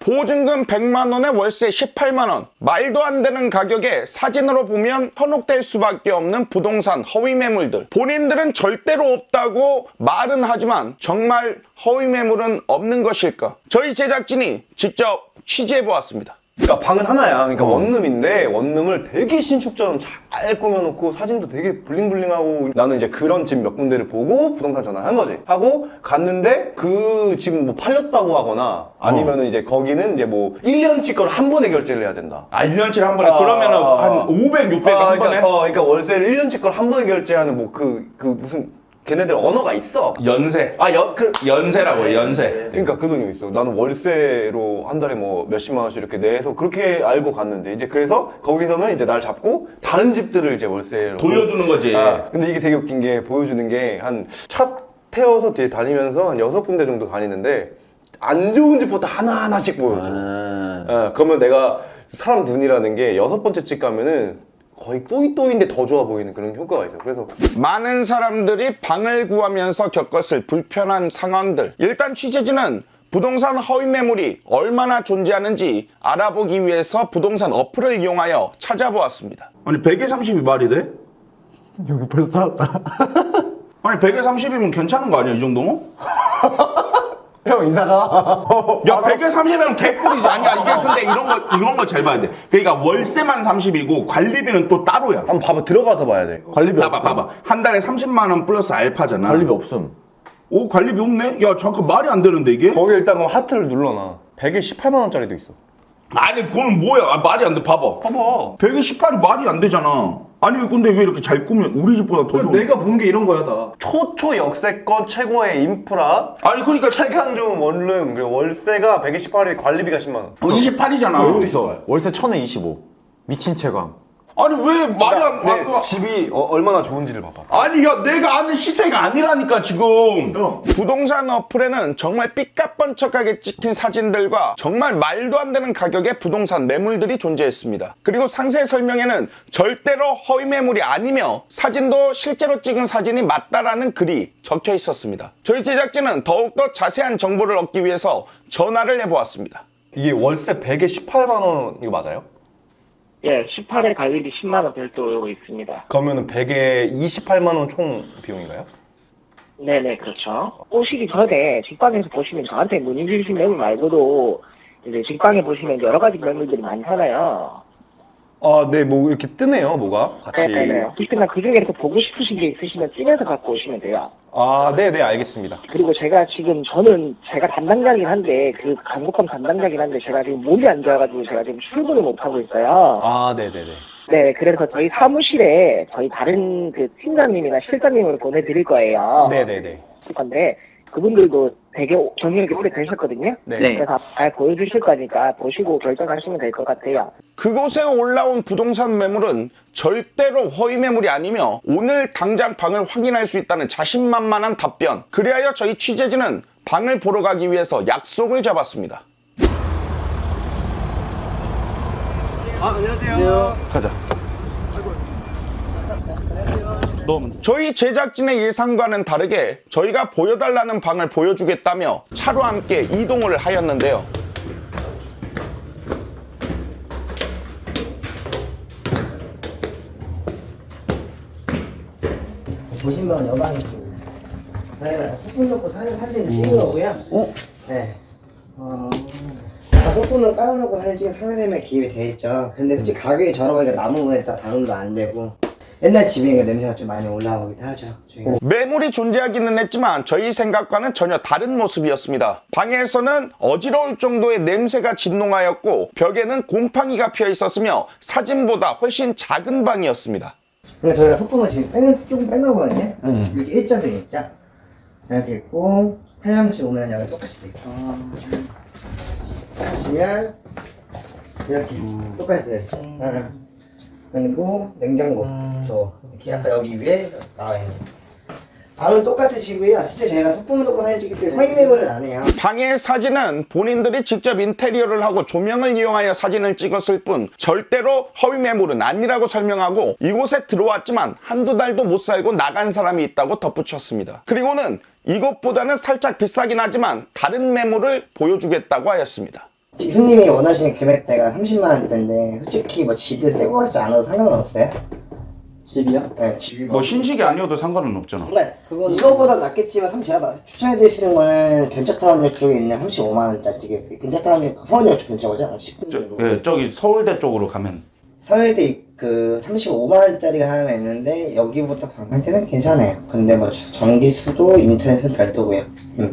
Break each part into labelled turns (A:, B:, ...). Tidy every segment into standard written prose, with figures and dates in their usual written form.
A: 보증금 100만원에 월세 18만원. 말도 안 되는 가격에 사진으로 보면 현혹될 수밖에 없는 부동산 허위 매물들. 본인들은 절대로 없다고 말은 하지만 정말 허위 매물은 없는 것일까? 저희 제작진이 직접 취재해보았습니다.
B: 그러니까 방은 하나야. 그러니까 원룸인데 원룸을 되게 신축처럼 잘 꾸며놓고 사진도 되게 블링블링하고, 나는 이제 그런 집 몇 군데를 보고 부동산 전화를 한 거지. 하고 갔는데 그 집 뭐 팔렸다고 하거나 아니면은 이제 거기는 이제 뭐 1년치 걸 한 번에 결제를 해야 된다.
A: 1년치를 한 번에? 그러면은 한 500, 600 한 번에?
B: 그러니까 월세를 1년치 걸 한 번에 결제하는 뭐 무슨 걔네들 언어가 있어.
A: 연세. 연세라고 해, 연세.
B: 그러니까 그 돈이 있어. 나는 월세로 한 달에 뭐 몇십만 원씩 이렇게 내서 그렇게 알고 갔는데, 이제 그래서 거기서는 이제 날 잡고 다른 집들을 이제 월세로
A: 돌려주는 거지.
B: 근데 이게 되게 웃긴 게, 보여주는 게 한 차 태워서 뒤에 다니면서 한 6군데 정도 다니는데 안 좋은 집부터 하나하나씩 보여줘. 그러면 내가 사람 눈이라는 게 6번째 집 가면은 거의 또이또이인데 더 좋아 보이는 그런 효과가 있어요. 그래서
A: 많은 사람들이 방을 구하면서 겪었을 불편한 상황들. 일단 취재진은 부동산 허위 매물이 얼마나 존재하는지 알아보기 위해서 부동산 어플을 이용하여 찾아보았습니다. 아니 100에 30이 말이 돼?
C: 여기 벌써 찾았다.
A: 아니 100에 30이면 괜찮은 거 아니야, 이 정도면?
C: 형 이사가.
A: 야 100에 30이면 개꿀이지. 아니야, 이게 근데 이런 거 잘 봐야 돼. 그러니까 월세만 30이고 관리비는 또 따로야.
B: 한번 봐봐, 들어가서 봐야 돼.
C: 관리비
A: 봐봐
C: 없음.
A: 봐봐. 한 달에 30만 원 플러스 알파잖아.
C: 관리비 없음.
A: 오, 관리비 없네? 야 잠깐, 말이 안 되는데 이게?
B: 거기 일단 그럼 하트를 눌러놔. 100에 18만 원짜리도 있어.
A: 아니 그건 뭐야? 말이 안 돼. 봐봐. 100에 18이 말이 안 되잖아. 아니 근데 왜 이렇게 잘 꾸며? 우리 집보다 더 좋은.
C: 내가 본 게 이런 거야 다.
B: 초초 역세권 최고의 인프라,
A: 아니 그러니까
B: 최강 좋은 원룸, 그리고 월세가 100에 18에 관리비가 10만 원.
A: 28이잖아.
C: 여기도 있어. 월세 1000에 25. 미친 채광.
A: 아니 왜 말이 안
B: 내
A: 돼?
B: 집이 얼마나 좋은지를 봐봐.
A: 아니 야, 내가 아는 시세가 아니라니까 지금. 부동산 어플에는 정말 삐까뻔쩍하게 찍힌 사진들과 정말 말도 안 되는 가격의 부동산 매물들이 존재했습니다. 그리고 상세 설명에는 절대로 허위 매물이 아니며 사진도 실제로 찍은 사진이 맞다라는 글이 적혀 있었습니다. 저희 제작진은 더욱더 자세한 정보를 얻기 위해서 전화를 해보았습니다.
B: 이게 월세 100에 18만 원 이거 맞아요?
D: 예, 18회 관리비 10만원 별도로 있습니다.
B: 그러면은 100에 28만 원 총 비용인가요?
D: 네네, 그렇죠. 오시기 전에 직방에서 보시면 저한테 문의 주신 매물 말고도 이제 직방에 보시면 여러 가지 매물들이 많잖아요.
B: 아, 네, 뭐 이렇게 뜨네요, 뭐가 같이.
D: 네네. 특히나 그 중에서 보고 싶으신 게 있으시면 찍어서 갖고 오시면 돼요.
B: 아, 네, 네, 알겠습니다.
D: 그리고 제가 담당자긴 한데, 그 강북감 담당자긴 한데, 제가 지금 몸이 안 좋아가지고 제가 지금 출근을 못하고 있어요.
B: 아, 네, 네, 네.
D: 네, 그래서 저희 사무실에 저희 다른 그 팀장님이나 실장님을 보내드릴 거예요.
B: 네, 네, 네.
D: 건데 그분들도 되게 경력이 오래 되셨거든요.
B: 네.
D: 그래서 잘 보여주실 거니까 보시고 결정하시면 될 것 같아요.
A: 그곳에 올라온 부동산 매물은 절대로 허위 매물이 아니며 오늘 당장 방을 확인할 수 있다는 자신만만한 답변. 그리하여 저희 취재진은 방을 보러 가기 위해서 약속을 잡았습니다.
B: 가자.
A: 저희 제작진의 예상과는 다르게 저희가 보여달라는 방을 보여주겠다며 차로 함께 이동을 하였는데요.
E: 보신 방은 여방이고 저희가 소품 넣고 사진을 찍은 거고요. 네. 소품은 깔아놓고 사진 찍은 상세면 기입이 돼 있죠. 근데 솔직히 가격이 저렴하니까 남은 거에다 반응도 안 되고 옛날 집이니까 냄새가 좀 많이 올라오기도 하죠.
A: 매물이 존재하기는 했지만 저희 생각과는 전혀 다른 모습이었습니다. 방에서는 어지러울 정도의 냄새가 진동하였고 벽에는 곰팡이가 피어 있었으며 사진보다 훨씬 작은 방이었습니다.
E: 그러니까 저희가 소품을 지금 조금 뺀 거거든요. 이렇게 일자도 있죠. 이렇게 있고 화장실 오면 여기 똑같이 돼 있고 보시면 이렇게 똑같이 돼 있죠. 그리고 냉장고 저 이렇게 약간 여기 위에 나와 있는 방은 똑같으시고요. 실제 저희가 소품을 놓고 사진 찍기 때문에 허위 매물은 안 해요.
A: 방의 사진은 본인들이 직접 인테리어를 하고 조명을 이용하여 사진을 찍었을 뿐 절대로 허위 매물은 아니라고 설명하고 이곳에 들어왔지만 한두 달도 못 살고 나간 사람이 있다고 덧붙였습니다. 그리고는 이것보다는 살짝 비싸긴 하지만 다른 매물을 보여주겠다고 하였습니다.
E: 손님이 원하시는 금액대가 30만 원대인데 솔직히 뭐 집이 새거 같지 않아도 상관은 없어요?
C: 집이요?
E: 네, 집이
A: 뭐 신식이 아니어도 상관은 없잖아.
E: 그러니까 이거보다 낫겠지만 제가 추천해드리시는 거는 벤처타운역 쪽에 있는 35만 원짜리 되게 벤처타운역 서울역 쪽 근처거죠? 10분 정도.
A: 저기 서울대 쪽으로 가면
E: 서울대 그 35만 원짜리가 하나 있는데 여기보다 방한테는 괜찮아요. 근데 뭐 전기, 수도, 인터넷은 별도고요.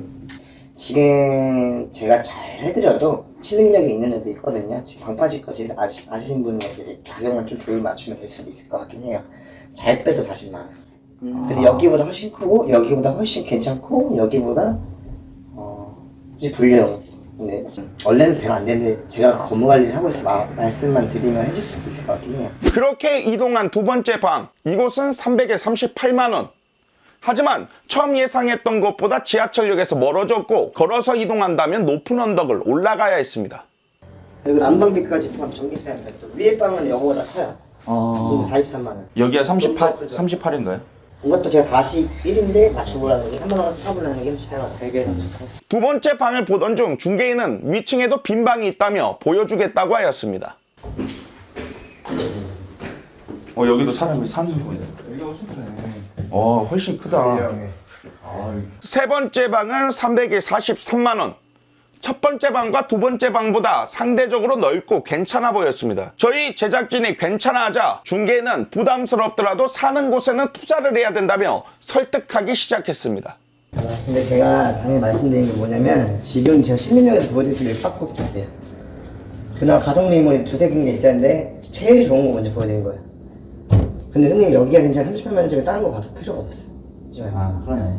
E: 지금 제가 잘 해드려도 실행력이 있는 애도 있거든요. 지금 방파제까지 아시는 분에게 가격만 좀 조율 맞추면 될 수도 있을 것 같긴 해요. 잘 빼도 40만 원. 근데 여기보다 훨씬 크고 여기보다 훨씬 괜찮고 여기보다 이제 불량. 근데 원래는 배가 안 되는데 제가 건물 관리를 하고 있어서 말씀만 드리면 해줄 수 있을 것 같긴 해요.
A: 그렇게 이동한 두 번째 방, 이곳은 300에 38만 원. 하지만 처음 예상했던 것보다 지하철역에서 멀어졌고 걸어서 이동한다면 높은 언덕을 올라가야 했습니다.
E: 그리고 난방비까지 포함 전기세는 별도. 위에 방은 여거보다 커요. 근데 43만 원.
A: 여기가 38인가요?
E: 이것도 제가 41인데 맞춰보라는 게 3만 원 사보라는 게 38만 원. 100에 38만 원.
A: 두 번째 방을 보던 중 중개인은 위층에도 빈 방이 있다며 보여주겠다고 하였습니다. 여기도 사람이 사는 거네. 훨씬 크다. 세 번째 방은 300에 43만 원. 첫 번째 방과 두 번째 방보다 상대적으로 넓고 괜찮아 보였습니다. 저희 제작진이 괜찮아하자 중개인은 부담스럽더라도 사는 곳에는 투자를 해야 된다며 설득하기 시작했습니다.
E: 근데 제가 당연히 말씀드린 게 뭐냐면 지금 제가 신림역에서 보여드릴 수 있는 빡 있어요. 그나마 가성비물이 두세 개가 있었는데 제일 좋은 거 먼저 보여드린 거예요. 근데 손님 여기가 괜찮아 38만 원짜리 다른 거 봐도 필요가 없어요.
C: 그러네.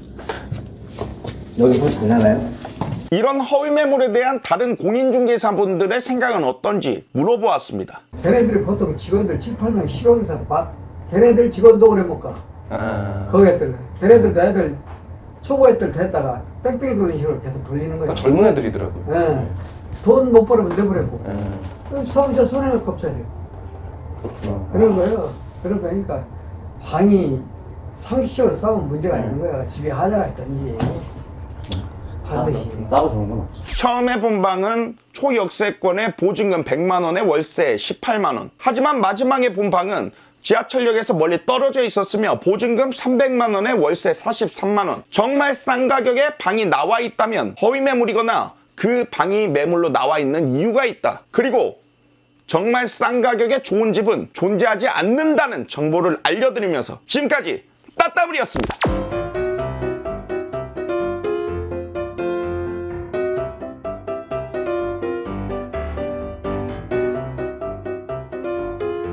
E: 여기 보지 안 나가요?
A: 이런 허위 매물에 대한 다른 공인중개사분들의 생각은 어떤지 물어보았습니다.
F: 걔네들이 보통 직원들 7, 8명 실용사 걔네들 직원도 오래 못 가. 거기 애들. 걔네들도 애들 초보 애들 됐다가 뺑뺑이 돌리는 식으로 계속 돌리는 거야.
B: 젊은 애들이더라고요.
F: 예. 돈 못 벌으면 내버리고. 그럼 서울서 손해를 kop잖아요. 그런 거예요. 그러니까 방이 상식적으로 싸우면 문제가 있는 거야. 집에 하자가 있던지. 반드시.
C: 싸고 좋은구나.
A: 처음에 본 방은 초역세권에 보증금 100만 원에 월세 18만 원. 하지만 마지막에 본 방은 지하철역에서 멀리 떨어져 있었으며 보증금 300만 원에 월세 43만 원. 정말 싼 가격에 방이 나와 있다면 허위 매물이거나 그 방이 매물로 나와 있는 이유가 있다. 그리고 정말 싼 가격에 좋은 집은 존재하지 않는다는 정보를 알려드리면서 지금까지 따따블이었습니다.